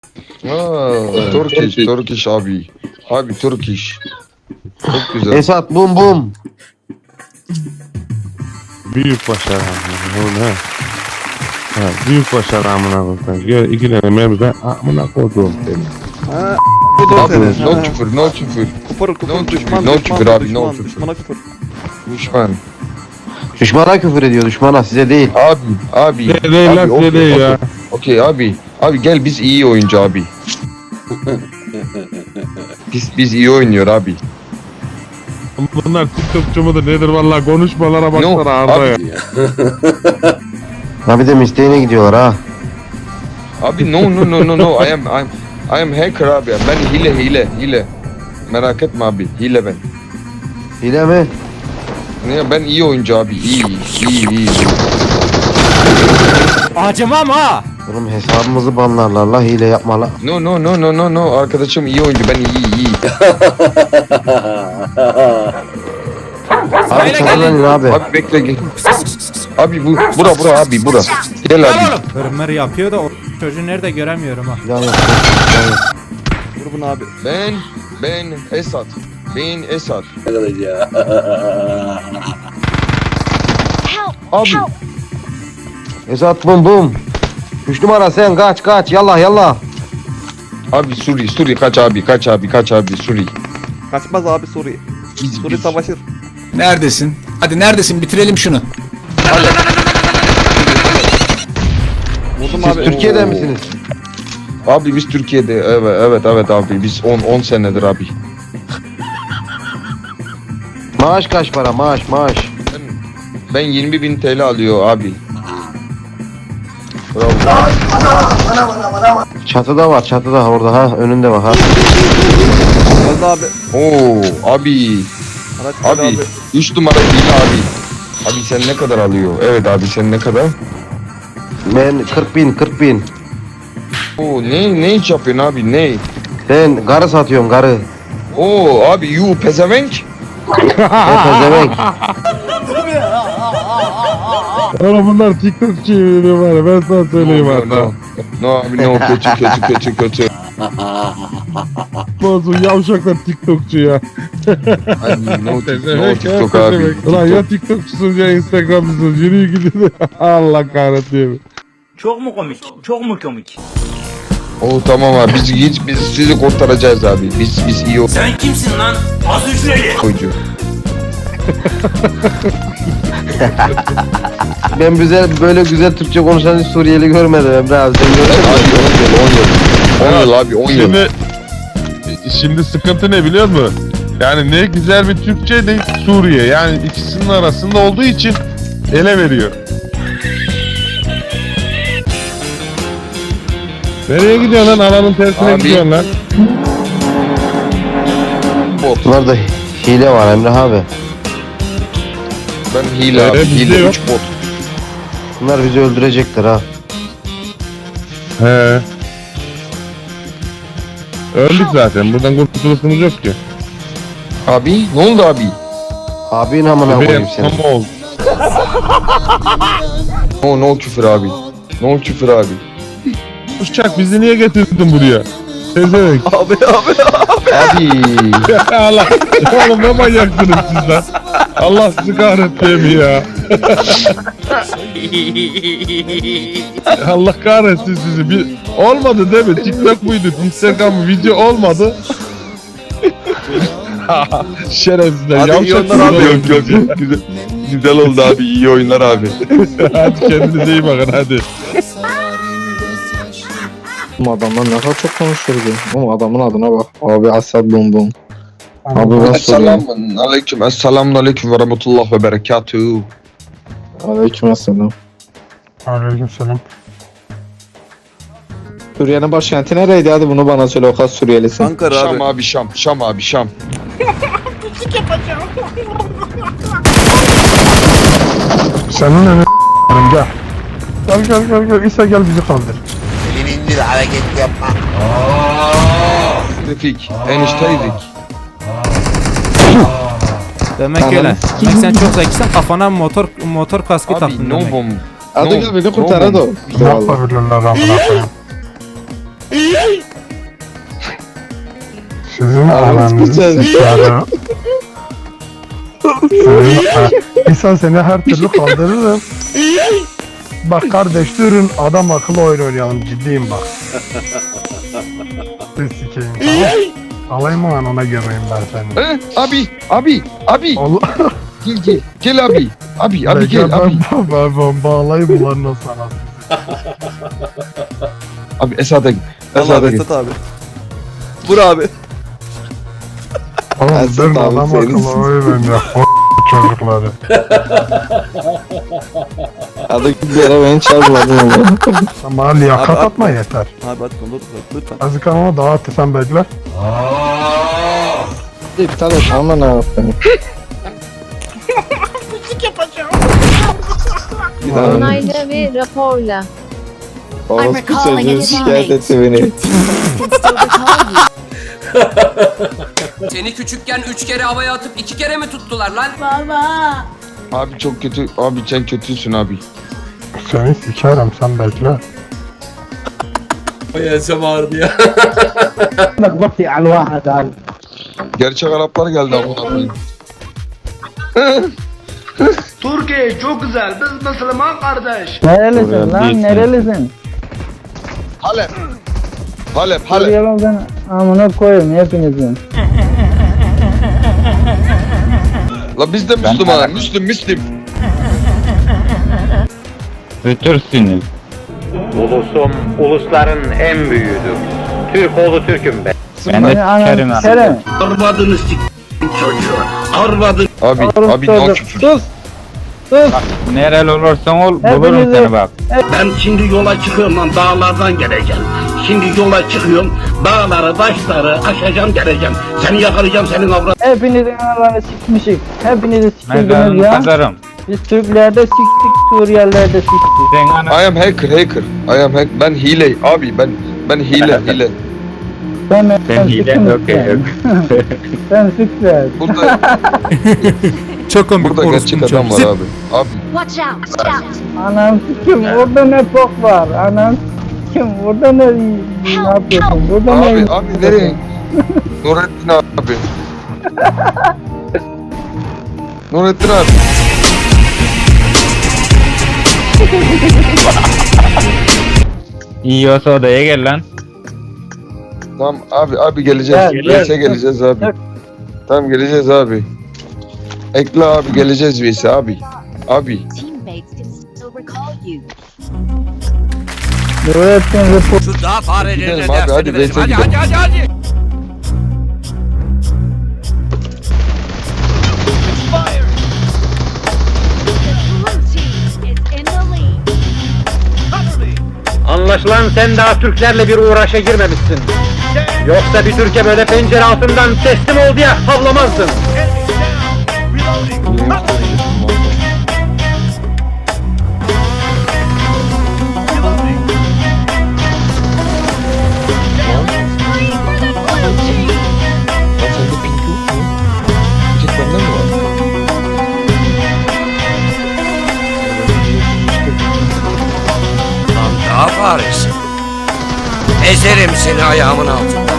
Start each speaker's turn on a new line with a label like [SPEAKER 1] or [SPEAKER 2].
[SPEAKER 1] Turkish abi. Abi Turkish. Çok güzel.
[SPEAKER 2] Esat bum bum.
[SPEAKER 3] Büyük başarı amına. Ha, büyük başarı amına koyayım. Gör iki tane mermi ben amına koydum seni.
[SPEAKER 4] Ha.
[SPEAKER 1] Abi no küfür, no küfür.
[SPEAKER 4] Kupur düşman
[SPEAKER 1] no
[SPEAKER 4] düşman
[SPEAKER 1] küfür abi,
[SPEAKER 4] düşman,
[SPEAKER 1] no küfür.
[SPEAKER 4] düşmana küfür.
[SPEAKER 1] Düşman.
[SPEAKER 2] Düşmana küfür ediyor, düşmana, size değil.
[SPEAKER 1] Abi.
[SPEAKER 3] Değil lan
[SPEAKER 1] okey,
[SPEAKER 3] değil ya.
[SPEAKER 1] Okey abi. Abi gel biz iyi oyuncu abi. biz iyi oynuyor abi.
[SPEAKER 3] Bunlar TikTokçu mudur nedir vallahi konuşmalara
[SPEAKER 1] No,
[SPEAKER 3] baksana Arda ya.
[SPEAKER 2] Abi de isteğine gidiyorlar ha.
[SPEAKER 1] Abi no. I am hacker abi. Ben hile. Merak etme abi. Hile ben.
[SPEAKER 2] Hile mi?
[SPEAKER 1] Ne ben iyi oyuncu abi. İyi.
[SPEAKER 5] Acımam ha.
[SPEAKER 2] Oğlum hesabımızı banlarlar la, hile yapma la.
[SPEAKER 1] No. Arkadaşım iyi oyuncu. Ben iyi.
[SPEAKER 2] Abi çatılanın abi.
[SPEAKER 1] Abi bekle gel. Abi bura abi bura. Gel abi.
[SPEAKER 5] Hırmır yapıyor da o çocuğu nerede göremiyorum ha.
[SPEAKER 2] Can yok.
[SPEAKER 4] Vur bunu abi.
[SPEAKER 1] Ben Esat. Abi
[SPEAKER 2] Esat bum bum. 3 numara sen kaç yallah.
[SPEAKER 1] abi Suri kaç abi Suri.
[SPEAKER 4] Kaçmaz abi Suriye. Suriye savaşır.
[SPEAKER 6] Neredesin? Hadi neredesin? Bitirelim şunu.
[SPEAKER 4] Vurdum
[SPEAKER 2] Siz
[SPEAKER 4] abi.
[SPEAKER 2] Türkiye'de misiniz?
[SPEAKER 1] Abi biz Türkiye'de evet abi biz 10 senedir abi.
[SPEAKER 2] Maaş kaç para, maaş.
[SPEAKER 1] Ben 20.000 TL alıyor abi. Bravo.
[SPEAKER 2] Çatıda orada ha, önünde bak ha.
[SPEAKER 4] Öldü abi.
[SPEAKER 1] Oo abi.
[SPEAKER 4] Araç
[SPEAKER 1] Abi 3 numara hile abi. Abi sen ne kadar alıyor? Evet abi sen ne kadar?
[SPEAKER 2] Ben 40 bin.
[SPEAKER 1] Oo ne iş yapıyorsun abi ne?
[SPEAKER 2] Sen garı satıyorsun, garı.
[SPEAKER 1] Oo abi you pezevenk.
[SPEAKER 2] Ne pezevenk.
[SPEAKER 3] Oğlum bunlar TikTokçu var ya ben sana söyleyeyim Arda.
[SPEAKER 1] No abi no kötü.
[SPEAKER 3] Bozun yavşaklar TikTokçu ya.
[SPEAKER 1] Abi no TikTok abi.
[SPEAKER 3] Ulan ya TikTokçusunuz ya Instagram'cısınız yürüyün gidin. Allah kahretsin.
[SPEAKER 7] Çok mu komik?
[SPEAKER 1] Oo tamam abi biz sizi kurtaracağız abi. Biz iyi
[SPEAKER 7] Sen kimsin lan? Az hücreli.
[SPEAKER 1] oyuncu.
[SPEAKER 2] Ben böyle güzel Türkçe konuşan hiç Suriyeli görmedim Emre abi, sen gördün mü?
[SPEAKER 1] 10 yıl abi 10 yıl.
[SPEAKER 3] Şimdi sıkıntı ne biliyor musun? Yani ne güzel bir Türkçe ne Suriye. Yani ikisinin arasında olduğu için ele veriyor. Nereye gidiyorsun lan? Alanın tersine
[SPEAKER 1] Abi.
[SPEAKER 3] gidiyorsun lan.
[SPEAKER 2] Bunlarda hile var Emre abi.
[SPEAKER 1] Ben hile abi.
[SPEAKER 3] bizde
[SPEAKER 1] Hile
[SPEAKER 3] yok.
[SPEAKER 1] 3 bot.
[SPEAKER 2] Bunlar bizi öldürecekler ha.
[SPEAKER 3] He. Öldük zaten. Buradan kurtuluşumuz yok ki.
[SPEAKER 1] Abi ne oldu abi?
[SPEAKER 2] Abin amına koyayım seni.
[SPEAKER 3] Ama oldu.
[SPEAKER 1] No küfür abi. No küfür abi.
[SPEAKER 3] Uçak bizi niye getirdin buraya? Tezemek.
[SPEAKER 4] Abi.
[SPEAKER 1] Abi.
[SPEAKER 3] Allah. Oğlum ne manyaksınız siz lan? Allah sizi kahretsin ya. Allah kahretsin sizi. Olmadı değil mi? TikTok muydu? Instagram mı? Video olmadı. Şerefsizler.
[SPEAKER 4] Hadi iyi oyunlar abi.
[SPEAKER 1] Yok. Güzel oldu abi. İyi oyunlar abi.
[SPEAKER 3] Hadi kendinize iyi bakın hadi.
[SPEAKER 8] Bu adamlar ne kadar çok konuşuyordu. Ama adamın adına bak. Abi Asad bum bum. Abi ben soruyorum.
[SPEAKER 1] Esselamun aleyküm ve rahmetullah ve berekatuhu.
[SPEAKER 8] Aleykümselam.
[SPEAKER 3] Aleykümselam.
[SPEAKER 8] Suriye'nin başkenti nereydi? Hadi bunu bana söyle, o kadar Suriyelisin.
[SPEAKER 4] Ankara abi.
[SPEAKER 1] Şam abi Şam. Şam abi Şam.
[SPEAKER 3] Senin ne gel. İsa gel bizi kaldır.
[SPEAKER 1] Refik. Enişteydik.
[SPEAKER 5] Demek öyle. Demek sen çok zekisin, kafana motor kaskı
[SPEAKER 1] Abi
[SPEAKER 5] taktın
[SPEAKER 1] no
[SPEAKER 5] demek.
[SPEAKER 1] bomb.
[SPEAKER 8] Hadi gel beni kurtar hadi o. İşte vallahi.
[SPEAKER 3] Yapabilirler amına koyayım.
[SPEAKER 9] Sizin ananızı sikerim. İnsan seni her türlü kaldırırım. Bak kardeş durun adam akıllı oyun oynayalım ciddiyim bak. Siz sikeyim tamam. Alayım mı lan ona gömeyim ben seni.
[SPEAKER 1] Abi.
[SPEAKER 9] Allah.
[SPEAKER 1] Gel abi. Abi gel abi.
[SPEAKER 9] Ben bağlayayım ulan sana.
[SPEAKER 1] Abi Esad'a git.
[SPEAKER 4] Allah
[SPEAKER 1] Esad'a
[SPEAKER 4] abi
[SPEAKER 1] git.
[SPEAKER 4] Esat abi. Vur abi.
[SPEAKER 9] Oğlum
[SPEAKER 2] Esat
[SPEAKER 9] durun
[SPEAKER 2] abi,
[SPEAKER 9] adam
[SPEAKER 2] senin
[SPEAKER 9] akıllı oyun ya. Çocukları.
[SPEAKER 2] Hadi bir ara beni çarpmadın ama.
[SPEAKER 9] Ama liyakat
[SPEAKER 4] Abi,
[SPEAKER 9] atma yeter.
[SPEAKER 4] Abi hadi konu lütfen.
[SPEAKER 9] Azıcık ama daha attı sen bekle.
[SPEAKER 2] İptal et ama ne yapayım. Bir daha
[SPEAKER 10] Onayla ve raporla.
[SPEAKER 2] orospu çocuğu şikayet etti beni.
[SPEAKER 11] Seni küçükken 3 kere havaya atıp 2 kere mi tuttular lan?
[SPEAKER 1] Abi çok kötü. Abi sen kötüsün abi.
[SPEAKER 9] Seni sikerim sen bekle.
[SPEAKER 1] Gerçek Araplar geldi amına koyayım.
[SPEAKER 7] Türkiye çok güzel. Biz Müslüman kardeş.
[SPEAKER 2] Nerelisin lan nerelisin?
[SPEAKER 1] Halep.
[SPEAKER 2] Ben amına koyayım hepinizin.
[SPEAKER 1] La biz de Müslüman. Müslüm.
[SPEAKER 8] Ötürsünüz.
[SPEAKER 7] Ulusum ulusların en büyüğüdür. Türk oğlu Türk'üm ben.
[SPEAKER 8] Ben de sikerim ha.
[SPEAKER 2] Kerem.
[SPEAKER 7] Arvadını çocuğu. Arvadını.
[SPEAKER 1] Abi no küfür.
[SPEAKER 8] Nereli olursan ol bulurum seni bak.
[SPEAKER 7] Ben şimdi yola çıkıyorum lan dağlardan geleceğim. Şimdi yola çıkıyorum. Dağları, taşları aşacağım geleceğim. Seni yakalayacağım senin avrat.
[SPEAKER 2] Hepinizin analarını sikmişik. Hepinizi sikildiniz
[SPEAKER 8] Mezarını
[SPEAKER 2] ya.
[SPEAKER 8] kazarım.
[SPEAKER 2] Biz Türklerde siktik, Suriyelilerde siktik.
[SPEAKER 8] Sen ana
[SPEAKER 1] I am hacker. Ben hile. Abi ben hile.
[SPEAKER 2] Ben
[SPEAKER 8] hile
[SPEAKER 2] siktim
[SPEAKER 8] okey.
[SPEAKER 2] sen. Sen sikler.
[SPEAKER 1] Burada
[SPEAKER 5] Çok komik
[SPEAKER 1] burada gerçek
[SPEAKER 5] orospu
[SPEAKER 1] adam var
[SPEAKER 5] çocuğu.
[SPEAKER 1] abi. Abi
[SPEAKER 10] Watch out.
[SPEAKER 2] Anam sikim orada ne bok var. Anam sikim orada ne yapıyorsun? Burada ne?
[SPEAKER 1] abi nereye? Nurettin abi. Nurettin abi.
[SPEAKER 8] iyi olsa odaya gel lan.
[SPEAKER 1] Tamam abi geleceğiz.
[SPEAKER 2] Gel.
[SPEAKER 1] VS'e geleceğiz abi.
[SPEAKER 2] Gel.
[SPEAKER 1] Tamam geleceğiz abi. Ekle abi geleceğiz VS'e abi. Abi.
[SPEAKER 10] Teammates can still recall you.
[SPEAKER 2] Nurettin Report.
[SPEAKER 11] Şu daha farelerine
[SPEAKER 1] Gidelim abi,
[SPEAKER 11] dersini
[SPEAKER 1] hadi
[SPEAKER 11] verelim.
[SPEAKER 1] VS'e
[SPEAKER 11] Hadi
[SPEAKER 1] gidelim.
[SPEAKER 11] hadi.
[SPEAKER 10] The blue team is in the lead.
[SPEAKER 7] Anlaşılan sen daha Türklerle bir uğraşa girmemişsin. Yoksa bir Türkiye böyle pencere altından teslim ol diye havlamazdın.
[SPEAKER 10] Free for the blue team.
[SPEAKER 1] Lan sende pink yok mu? Bir tek bende mi var?
[SPEAKER 11] Lan daha faresi. Ezerim seni ayağımın altında.